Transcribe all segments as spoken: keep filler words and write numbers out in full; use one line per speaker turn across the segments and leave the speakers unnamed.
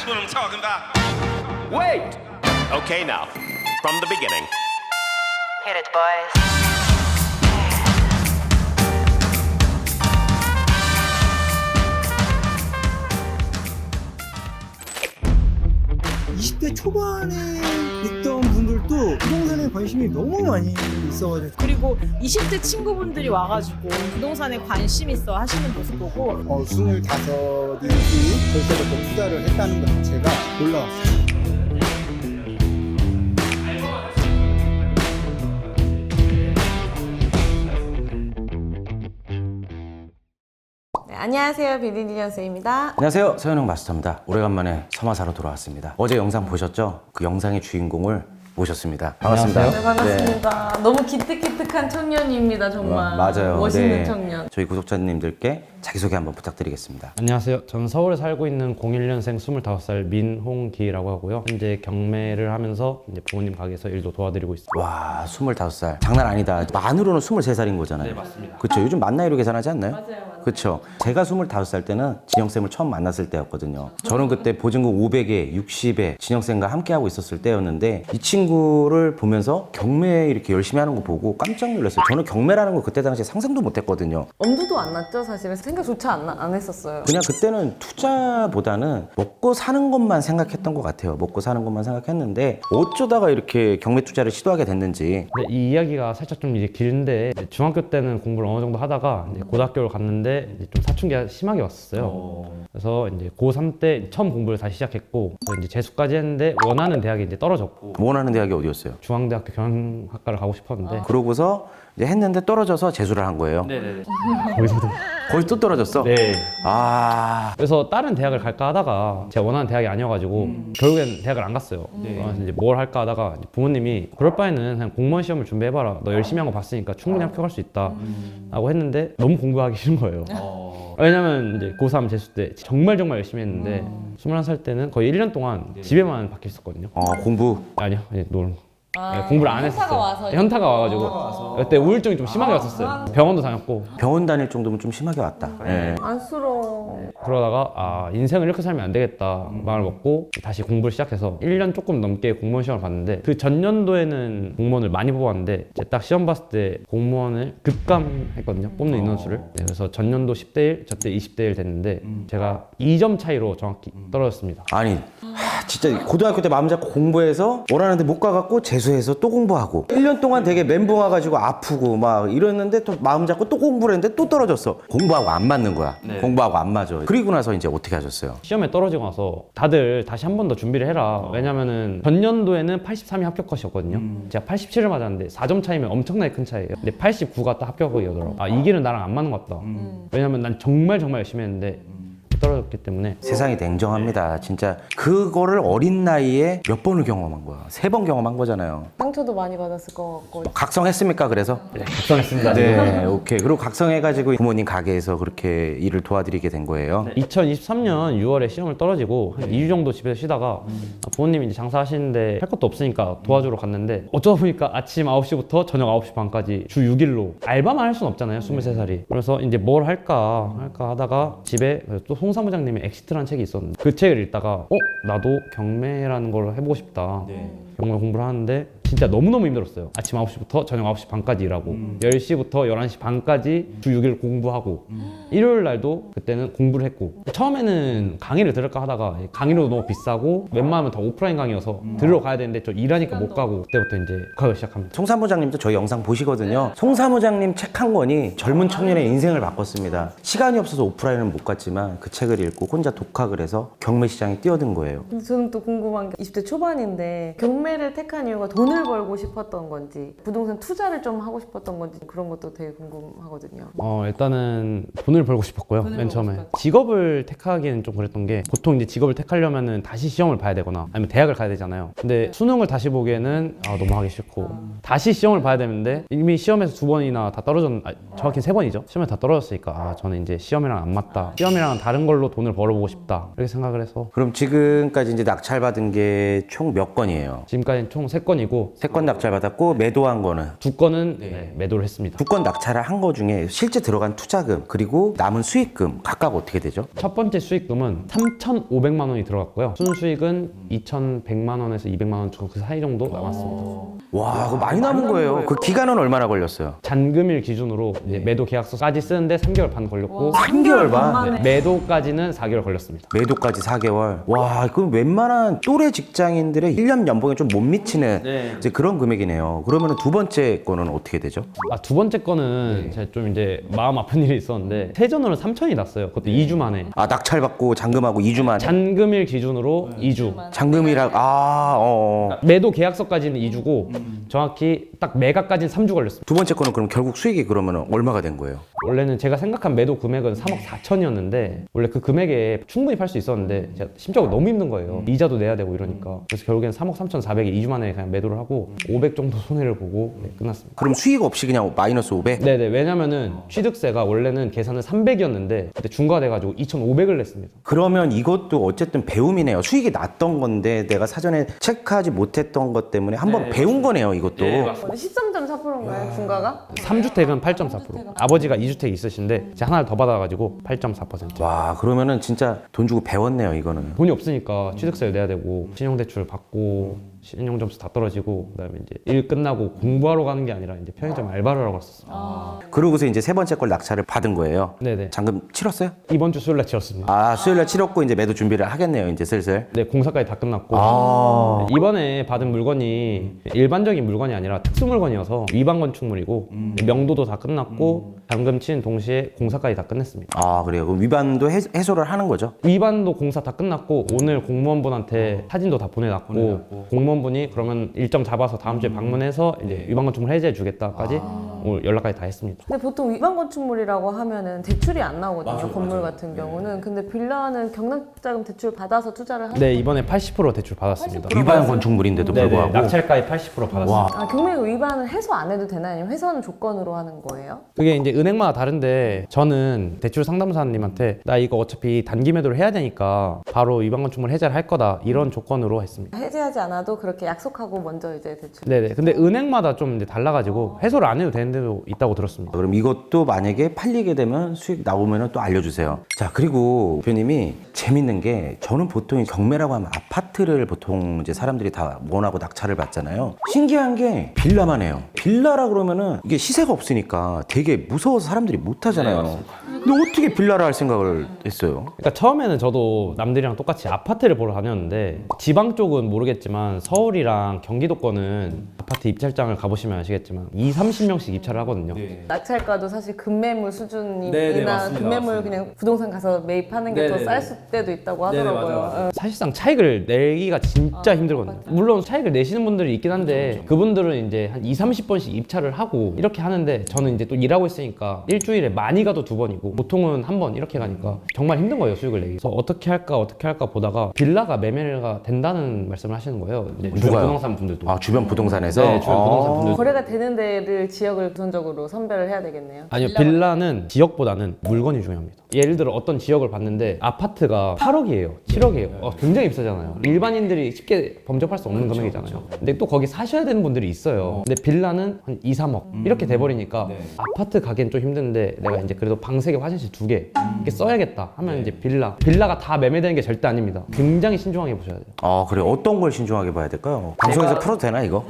what I'm talking about.
Wait! Okay, now, from the beginning.
Hit it, boys.
이십 대 초반에 있던 분들도 부동산에 관심이 너무 많이 있어가지고
그리고 이십 대 친구분들이 와가지고 부동산에 관심 있어 하시는 모습 보고
어, 스물다섯이 벌써부터 투자를 했다는 것 자체가 놀라웠어요.
네, 안녕하세요. 비디니언스입니다.
안녕하세요, 서현웅 마스터입니다. 오래간만에 서마사로 돌아왔습니다. 어제 영상 보셨죠? 그 영상의 주인공을 모셨습니다. 반갑습니다.
네, 반갑습니다. 너무 기특기특한 청년입니다. 정말.
네, 맞아요.
멋있는
네.
청년.
저희 구독자님들께 자기소개 한번 부탁드리겠습니다.
안녕하세요. 저는 서울에 살고 있는 공일 년생 스물다섯 살 민홍기라고 하고요. 현재 경매를 하면서 이제 부모님 가게에서 일도 도와드리고 있습니다.
와, 스물다섯 살. 장난 아니다. 만으로는 스물세 살인 거잖아요.
네, 맞습니다.
그렇죠. 요즘 만 나이로 계산하지 않나요?
맞아요, 맞아요.
그렇죠. 제가 스물다섯 살 때는 진영쌤을 처음 만났을 때였거든요. 저는 그때 보증금 오백에 육십에 진영쌤과 함께하고 있었을 때였는데 이 친구를 보면서 경매 이렇게 열심히 하는 거 보고 깜짝 놀랐어요. 저는 경매라는 걸 그때 당시에 상상도 못 했거든요.
엄두도 안 났죠, 사실은. 생각조차 안, 나- 안 했었어요.
그냥 그때는 투자보다는 먹고 사는 것만 생각했던 것 같아요. 먹고 사는 것만 생각했는데 어쩌다가 이렇게 경매 투자를 시도하게 됐는지.
근데 이 이야기가 살짝 좀 이제 길인데 이제 중학교 때는 공부를 어느 정도 하다가 이제 고등학교를 갔는데 이제 좀 사춘기가 심하게 왔었어요. 그래서 이제 고삼 때 처음 공부를 다시 시작했고 그래서 이제 재수까지 했는데 원하는 대학이 이제 떨어졌고
원하는 대학이 어디였어요?
중앙대학교 경영학과를 가고 싶었는데
그러고서 이제 했는데 떨어져서 재수를 한 거예요.
네네네. 거기서도
거의 또 떨어졌어?
네.
아,
그래서 다른 대학을 갈까 하다가 제가 원하는 대학이 아니어가지고 결국엔 대학을 안 갔어요. 그래서 이제 뭘 할까 하다가 이제 부모님이 그럴 바에는 그냥 공무원 시험을 준비해봐라. 너 열심히 한 거 봤으니까 충분히 합격할 수 있다. 라고 했는데 너무 공부하기 싫은 거예요. 왜냐면 이제 고삼 재수 때 정말 정말 열심히 했는데 스물한 살 때는 거의 일 년 동안 집에만 박혀 있었거든요.
어, 공부.
아니요, 이제 놀
아,
네, 공부를 안
현타가
했었어요.
와서
현타가 와가지고 그때 우울증이 좀 심하게 왔었어요. 병원도 다녔고
병원 다닐 정도면 좀 심하게 왔다. 예.
안쓰러워.
그러다가 아 인생을 이렇게 살면 안 되겠다 마음을 먹고 다시 공부를 시작해서 일 년 조금 넘게 공무원 시험을 봤는데 그 전년도에는 공무원을 많이 뽑았는데 이제 딱 시험 봤을 때 공무원을 급감했거든요. 뽑는 인원수를. 네, 그래서 전년도 십 대 일, 저때 이십 대 일 됐는데 제가 이 점 차이로 정확히 떨어졌습니다.
아니, 하, 진짜 고등학교 때 마음 잡고 공부해서 원하는데 못 가갖고 재수해서 또 공부하고 일 년 동안 되게 멘붕 와가지고 아프고 막 이랬는데 또 마음 잡고 또 공부를 했는데 또 떨어졌어. 공부하고 안 맞는 거야. 공부하고 안 맞아. 그리고 나서 이제 어떻게 하셨어요?
시험에 떨어지고 나서 다들 다시 한 번 더 준비를 해라. 왜냐면은 전년도에는 팔십삼이 합격 컷이었거든요. 제가 팔십칠을 맞았는데 사 점 차이면 엄청나게 큰 차이예요. 근데 팔십구가 딱 합격이더라고. 아, 이 길은 나랑 안 맞는 것 같다. 왜냐면 난 정말 정말 열심히 했는데 떨어졌기 때문에
세상이 냉정합니다. 진짜 그거를 어린 나이에 몇 번을 경험한 거야. 세 번 경험한 거잖아요.
상처도 많이 받았을 것 같고.
각성했습니까? 그래서?
네, 각성했습니다.
네, 오케이. 그리고 각성해가지고 부모님 가게에서 그렇게 일을 도와드리게 된 거예요.
네, 이천이십삼 년 유월에 시험을 떨어지고 한 이 주 정도 집에서 쉬다가 부모님이 이제 장사하시는데 할 것도 없으니까 도와주러 갔는데 어쩌다 보니까 아침 아홉 시부터 저녁 아홉 시 반까지 주 육 일로 알바만 할 수는 없잖아요. 스물세 살이. 그래서 이제 뭘 할까 할까 하다가 집에 또 송 사무장님의 엑시트라는 책이 있었는데 그 책을 읽다가 어? 나도 경매라는 걸 해보고 싶다. 경매 공부를 하는데 진짜 너무너무 힘들었어요. 아침 아홉 시부터 저녁 아홉 시 반까지 일하고 열 시부터 열한 시 반까지 주 육 일 공부하고 일요일 날도 그때는 공부를 했고 처음에는 강의를 들을까 하다가 강의료도 너무 비싸고 웬만하면 다 오프라인 강의여서 들으러 가야 되는데 저 일하니까 못 가고 그때부터 이제 가기 시작합니다.
송 사무장님도 저희 영상 보시거든요. 송 사무장님 책 한 권이 젊은 청년의 인생을 바꿨습니다. 시간이 없어서 오프라인은 못 갔지만 그 책을 읽고 혼자 독학을 해서 경매 시장에 뛰어든 거예요.
근데 저는 또 궁금한 게 이십 대 초반인데 경매를 택한 이유가 돈을 벌고 싶었던 건지 부동산 투자를 좀 하고 싶었던 건지 그런 것도 되게 궁금하거든요.
어 일단은 돈을 벌고 싶었고요. 맨 처음에 직업을 택하기는 좀 그랬던 게 보통 이제 직업을 택하려면은 다시 시험을 봐야 되거나 아니면 대학을 가야 되잖아요. 근데 수능을 다시 보기에는 아, 너무 하기 싫고 다시 시험을 봐야 되는데 이미 시험에서 두 번이나 다 떨어졌 아, 정확히 세 번이죠. 시험에 다 떨어졌으니까 아, 저는 이제 시험이랑 안 맞다. 시험이랑 다른 걸로 돈을 벌어보고 싶다. 이렇게 생각을 해서
그럼 지금까지 이제 낙찰받은 게 총 몇 건이에요?
지금까지는 총 세 건이고 받았고
세 건 낙찰 받았고 매도한 거는
두 건은 네, 매도를 했습니다.
두 건 낙찰을 한 거 중에 실제 들어간 투자금 그리고 남은 수익금 각각 어떻게 되죠?
첫 번째 수익금은 삼천오백만 원이 들어갔고요. 순수익은 이천백만 원에서 이백만 원 그 사이 정도 남았습니다.
와, 그거 많이 남은 거예요. 그 기간은 얼마나 걸렸어요?
잔금일 기준으로 이제 매도 계약서까지 쓰는데 삼 개월 반 걸렸고
삼 개월 반?
네, 매도까지는 사 개월 걸렸습니다.
매도까지 사 개월. 와, 그 웬만한 또래 직장인들의 일 년 연봉에 좀 못 미치는 이제 그런 금액이네요. 그러면 두 번째 거는 어떻게 되죠?
아, 두 번째 거는 제가 좀 이제 마음 아픈 일이 있었는데 세전으로 삼천이 났어요. 그것도 이 주 만에.
아, 낙찰 받고 잔금하고 이 주 만에.
잔금일 기준으로 이 주.
잔금이라 아, 어. 어.
매도 계약서까지는 이 주고 정확히 딱 매각까지는 삼 주 걸렸습니다.
두 번째 거는 그럼 결국 수익이 그러면 얼마가 된 거예요?
원래는 제가 생각한 매도 금액은 삼억 사천이었는데 원래 그 금액에 충분히 팔 수 있었는데 제가 심적으로 너무 힘든 거예요. 이자도 내야 되고 이러니까. 그래서 결국엔 삼억 삼천사백에 이 주 만에 그냥 매도를 하고 오백 정도 손해를 보고 네, 끝났습니다.
그럼 수익 없이 그냥 마이너스 오백?
네네, 왜냐면은 취득세가 원래는 계산은 삼백이었는데 그때 중과돼가지고 이천오백을 냈습니다.
그러면 이것도 어쨌든 배움이네요. 수익이 났던 건데 내가 사전에 체크하지 못했던 것 때문에 한번 배운 거네요, 이것도.
십삼 점 사 퍼센트인가요? 중과가?
삼 주택은 팔 점 사 퍼센트. 아버지가 이 주택 있으신데 제가 하나를 더 받아가지고 팔 점 사 퍼센트.
와, 그러면은 진짜 돈 주고 배웠네요, 이거는.
돈이 없으니까 취득세 내야 되고 신용대출 받고 신용 점수 다 떨어지고 그다음에 이제 일 끝나고 공부하러 가는 게 아니라 이제 편의점 알바를 하러 갔었어요.
그러고서 이제 세 번째 걸 낙찰을 받은 거예요.
네네.
잔금 치렀어요?
이번 주 수요일날 치렀습니다.
아, 수요일날 치렀고 이제 매도 준비를 하겠네요, 이제 슬슬.
네, 공사까지 다 끝났고
아.
이번에 받은 물건이 일반적인 물건이 아니라 특수 물건이어서 위반 건축물이고 명도도 다 끝났고 잔금 친 동시에 공사까지 다 끝냈습니다.
아, 그래요. 그럼 위반도 해, 해소를 하는 거죠?
위반도 공사 다 끝났고 오늘 공무원분한테 사진도 다 보내놨고 공무원분이 그러면 일정 잡아서 다음 주에 방문해서 이제 위반 건축물 해제해 주겠다까지 오늘 연락까지 다 했습니다.
근데 보통 위반 건축물이라고 하면은 대출이 안 나오거든요. 건물 같은 경우는. 근데 빌라는 경락자금 대출 받아서 투자를 하는
네, 이번에 팔십 퍼센트 대출 받았습니다.
위반 건축물인데도
네네,
불구하고.
낙찰가액 팔십 퍼센트 받았습니다.
아, 경매 위반은 해소 안 해도 되나요? 아니면 해소는 조건으로 하는 거예요?
그게 이제 은행마다 다른데 저는 대출 상담사님한테 나 이거 어차피 단기 매도를 해야 되니까 바로 위반 건축물 해제를 할 거다 이런 조건으로 했습니다.
해지하지 않아도 그렇게 약속하고 먼저 이제 대출.
네네. 근데 은행마다 좀 이제 달라가지고 해소를 안 해도 되는 데도 있다고 들었습니다.
그럼 이것도 만약에 팔리게 되면 수익 나오면 또 알려주세요. 자, 그리고 대표님이 재밌는 게 저는 보통 경매라고 하면 아파트를 보통 이제 사람들이 다 원하고 낙찰을 받잖아요. 신기한 게 빌라만 해요. 빌라라 그러면은 이게 시세가 없으니까 되게 무서워서 사람들이 못 하잖아요. 근데 어떻게 빌라를 할 생각을 했어요?
그러니까 처음에는 저도 남들이랑 똑같이 아파트를 보러 다녔는데 지방 쪽은 모르겠지만 서울이랑 경기도권은 아파트 입찰장을 가보시면 아시겠지만 이십, 삼십 명씩 입찰을 하거든요.
낙찰가도 사실 금매물 수준이나 금매물 그냥 부동산 가서 매입하는 게 더 쌀 때도 있다고 하더라고요. 응.
사실상 차익을 내기가 진짜 힘들거든요. 물론 차익을 내시는 분들이 있긴 한데 그분들은 이제 한 이십, 삼십 번씩 입찰을 하고 이렇게 하는데 저는 이제 또 일하고 있으니까 일주일에 많이 가도 두 번이고 보통은 한 번 이렇게 가니까 정말 힘든 거예요, 수익을 내기. 그래서 어떻게 할까 어떻게 할까 보다가 빌라가 매매가 된다는 말씀을 하시는 거예요. 이제 주변
누가요?
부동산 분들도.
아, 주변 부동산에서?
네, 주변 부동산 분들.
거래가 되는 데를 지역을 우선적으로 선별을 해야 되겠네요.
아니요, 빌라는 지역보다는 물건이 중요합니다. 예를 들어 어떤 지역을 봤는데 아파트가 팔억이에요, 칠억이에요. 어, 굉장히 비싸잖아요. 일반인들이 쉽게 범접할 수 없는 금액이잖아요. 근데 또 거기 사셔야 되는 분들이 있어요. 근데 빌라는 한 이, 삼억 이렇게 돼버리니까 아파트 가기엔 좀 힘든데 내가 이제 그래도 방 세 개, 화장실 두 개 이렇게 써야겠다 하면 이제 빌라. 빌라가 다 매매되는 게 절대 아닙니다. 굉장히 신중하게 보셔야 돼요.
아, 그래. 어떤 걸 신중하게 봐야 될까요? 방송에서 풀어도 되나, 이거?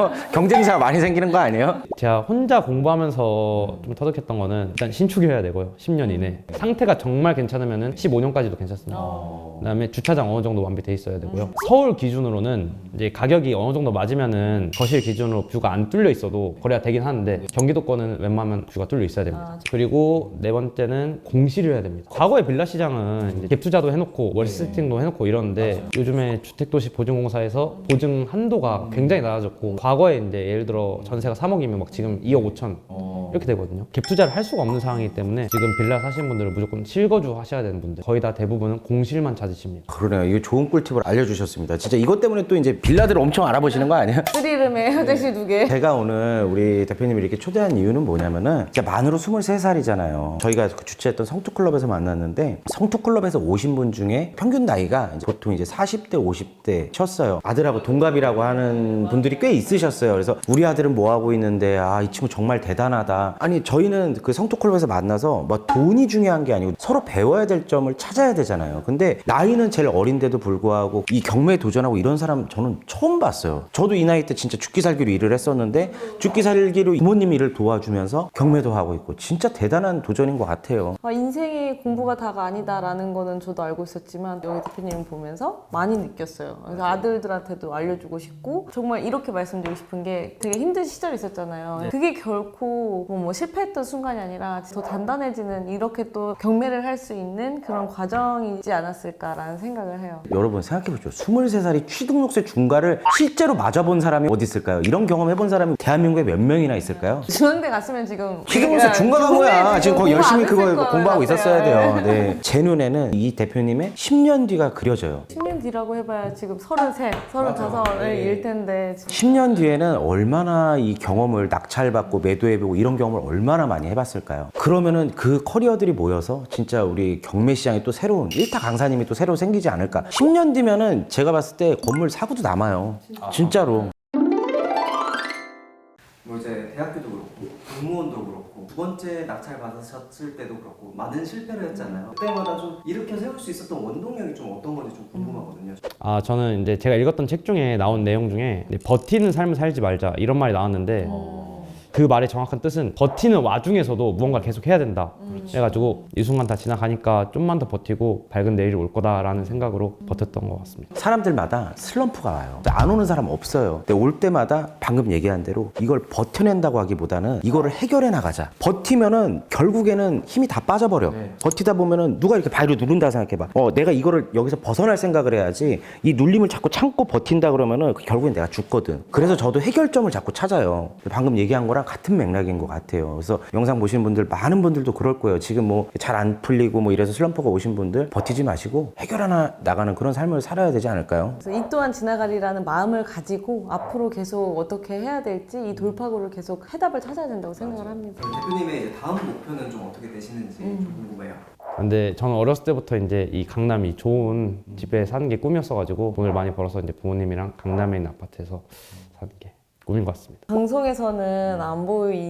경쟁사가 많이 생기는 거 아니에요?
제가 혼자 공부하면서 좀 터득했던 거는 일단 신축이어야 되고요. 십 년 이내. 상태가 정말 괜찮으면은 십오 년까지도 괜찮습니다. 그다음에 주차장 어느 정도 완비돼 있어야 되고요. 서울 기준으로는 이제 가격이 어느 정도 맞으면은 거실 기준으로 뷰가 안 뚫려 있어도 거래가 되긴 하는데 경기도권은 웬만하면 뷰가 뚫려 있어야 됩니다. 그리고 네 번째는 공실이어야 됩니다. 과거에 빌라 시장은 이제 갭 투자도 해놓고 월세팅도 해놓고 이러는데 요즘에 주택도시 보증공사에서 보증 한도가 굉장히 낮아졌고 과거에 이제 예를 들어 전세가 삼억이면 막 지금 이억 오천 이렇게 되거든요. 갭 투자를 할 수가 없는 상황이기 때문에 지금 빌라 사시는 분들은 무조건 실거주 하셔야 되는 분들 거의 다 대부분은 공실만 찾으신 있습니다.
그러네요. 이거 좋은 꿀팁을 알려주셨습니다. 진짜 이것 때문에 또 이제 빌라들을 엄청 알아보시는 거 아니에요?
쓰리룸에 화장실 두 개.
제가 오늘 우리 대표님을 이렇게 초대한 이유는 뭐냐면은 진짜 만으로 스물세 살이잖아요. 저희가 그 주최했던 성투클럽에서 만났는데 성투클럽에서 오신 분 중에 평균 나이가 이제 보통 이제 사십 대, 오십 대 쳤어요. 아들하고 동갑이라고 하는 분들이 꽤 있으셨어요. 그래서 우리 아들은 뭐 하고 있는데 아, 이 친구 정말 대단하다. 아니 저희는 그 성투클럽에서 만나서 뭐 돈이 중요한 게 아니고 서로 배워야 될 점을 찾아야 되잖아요. 근데 나이는 제일 어린데도 불구하고 이 경매에 도전하고 이런 사람 저는 처음 봤어요. 저도 이 나이 때 진짜 죽기 살기로 일을 했었는데 죽기 살기로 부모님 일을 도와주면서 경매도 하고 있고 진짜 대단한 도전인 것 같아요.
아, 인생이 공부가 다가 아니다라는 거는 저도 알고 있었지만 여기 대표님 보면서 많이 느꼈어요. 그래서 아들들한테도 알려주고 싶고 정말 이렇게 말씀드리고 싶은 게 되게 힘든 시절이 있었잖아요. 그게 결코 뭐, 뭐 실패했던 순간이 아니라 더 단단해지는 이렇게 또 경매를 할 수 있는 그런 과정이지 않았을까라는 생각을 해요.
여러분 생각해보죠. 스물세 살이 취등록세 중과를 실제로 맞아본 사람이 어디 있을까요? 이런 경험 해본 사람이 대한민국에 몇 명이나 있을까요?
중앙대 갔으면 지금
취등록세 중과가 뭐야? 지금 거의 열심히 그거
공부 안 했을
공부하고
것
있었어야
같아요.
돼요. 네. 제 눈에는 이 대표님의 십 년 뒤가 그려져요.
십 년 뒤라고 해봐야 지금 서른셋, 서른다섯을 일 텐데 지금.
십 년 뒤에는 얼마나 이 경험을 낙찰받고 매도해보고 이런 경험을 얼마나 많이 해봤을까요? 그러면은 그 커리어들이 모여서 진짜 우리 경매 시장에 또 새로운 일타 강사님이 또 새로 생기지 않을까? 십 년 뒤면은 제가 봤을 때 건물 사고도 남아요. 진짜로.
뭐 이제 대학교도 그렇고 공무원도 그렇고 두 번째 낙찰 받으셨을 때도 그렇고 많은 실패를 했잖아요. 그때마다 좀 일으켜 세울 수 있었던 원동력이 좀 어떤 건지 좀 궁금하거든요.
아 저는 이제 제가 읽었던 책 중에 나온 내용 중에 이제 버티는 삶을 살지 말자 이런 말이 나왔는데 그 말의 정확한 뜻은 버티는 와중에서도 무언가 계속 해야 된다. 그래가지고 이 순간 다 지나가니까 좀만 더 버티고 밝은 내일이 올 거다라는 생각으로 버텼던 것 같습니다.
사람들마다 슬럼프가 와요. 안 오는 사람 없어요. 근데 올 때마다 방금 얘기한 대로 이걸 버텨낸다고 하기보다는 이거를 해결해 나가자. 버티면은 결국에는 힘이 다 빠져버려. 버티다 보면은 누가 이렇게 발을 누른다 생각해봐. 어, 내가 이거를 여기서 벗어날 생각을 해야지 이 눌림을 자꾸 참고 버틴다 그러면은 결국엔 내가 죽거든. 그래서 저도 해결점을 자꾸 찾아요. 방금 얘기한 거랑 같은 맥락인 것 같아요. 그래서 영상 보시는 분들 많은 분들도 그럴 거예요. 지금 뭐 잘 안 풀리고 뭐 이래서 슬럼프가 오신 분들 버티지 마시고 해결하나 나가는 그런 삶을 살아야 되지 않을까요?
그래서 이 또한 지나가리라는 마음을 가지고 앞으로 계속 어떻게 해야 될지 이 돌파구를 계속 해답을 찾아야 된다고 생각을 합니다.
대표님의 이제 다음 목표는 좀 어떻게 되시는지 좀 궁금해요.
근데 저는 어렸을 때부터 이제 이 강남이 좋은 집에 사는 게 꿈이었어가지고 돈을 많이 벌어서 이제 부모님이랑 강남에 있는 아파트에서 사는 게 꿈인 것 같습니다.
방송에서는 안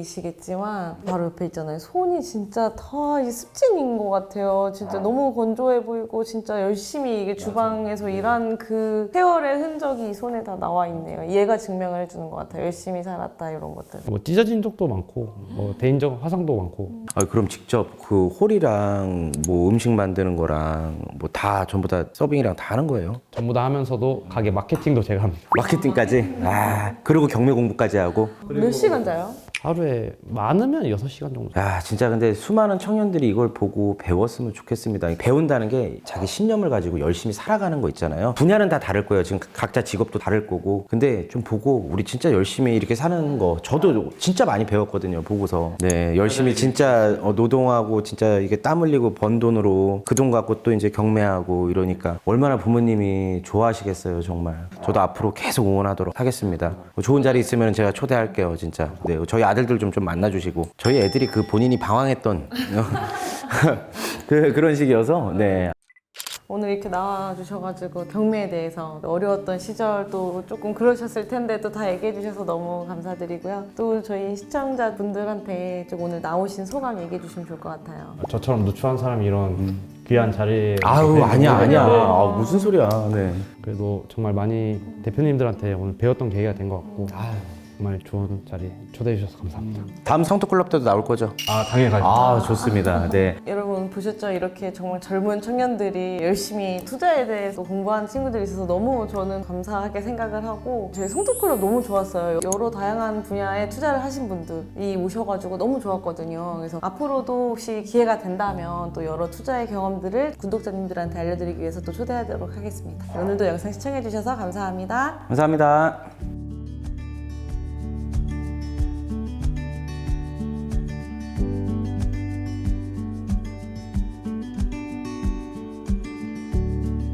보이시겠지만 바로 옆에 있잖아요. 손이 진짜 다 이 습진인 것 같아요. 진짜 너무 건조해 보이고 진짜 열심히 이게 주방에서 일한 그 세월의 흔적이 이 손에 다 나와 있네요. 얘가 증명을 해주는 것 같아요. 열심히 살았다 이런 것들.
뭐 찢어진 적도 많고 뭐 대인적 화상도 많고.
아, 그럼 직접 그 홀이랑 뭐 음식 만드는 거랑 뭐 다 전부 다 서빙이랑 다 하는 거예요?
전부 다 하면서도 가게 마케팅도 제가 합니다.
마케팅까지? 아, 그리고 경매 공부까지 하고?
몇 시간 자요?
하루에 많으면 여섯 시간 정도.
야, 진짜 근데 수많은 청년들이 이걸 보고 배웠으면 좋겠습니다. 배운다는 게 자기 신념을 가지고 열심히 살아가는 거 있잖아요. 분야는 다 다를 거예요. 지금 각자 직업도 다를 거고. 근데 좀 보고 우리 진짜 열심히 이렇게 사는 거 저도 진짜 많이 배웠거든요. 보고서. 네, 열심히 진짜 어, 노동하고 진짜 이게 땀 흘리고 번 돈으로 그 돈 갖고 또 이제 경매하고 이러니까 얼마나 부모님이 좋아하시겠어요, 정말. 저도 앞으로 계속 응원하도록 하겠습니다. 뭐 좋은 자리 있으면 제가 초대할게요, 진짜. 네, 저희 아들들 좀, 좀 만나주시고. 저희 애들이 그 본인이 방황했던 그, 그런 식이어서, 네.
오늘 이렇게 나와주셔가지고 경매에 대해서 어려웠던 시절도 조금 그러셨을 텐데 또 다 얘기해 주셔서 너무 감사드리고요. 또 저희 시청자분들한테 좀 오늘 나오신 소감 얘기해 주시면 좋을 것 같아요.
저처럼 누추한 사람이 이런 귀한 자리에
아우, 아니야, 아니야.
있는데
아, 무슨 소리야. 네.
그래도 정말 많이 대표님들한테 오늘 배웠던 계기가 된 것 같고 정말 좋은 자리 초대해 주셔서 감사합니다.
다음 성토클럽 때도 나올 거죠?
아 당연히
아, 좋습니다. 네.
여러분 보셨죠? 이렇게 정말 젊은 청년들이 열심히 투자에 대해서 공부하는 친구들이 있어서 너무 저는 감사하게 생각을 하고 저희 성토클럽 너무 좋았어요. 여러 다양한 분야에 투자를 하신 분들이 오셔가지고 너무 좋았거든요. 그래서 앞으로도 혹시 기회가 된다면 또 여러 투자의 경험들을 구독자님들한테 알려드리기 위해서 또 초대하도록 하겠습니다. 오늘도 영상 시청해주셔서 감사합니다.
감사합니다.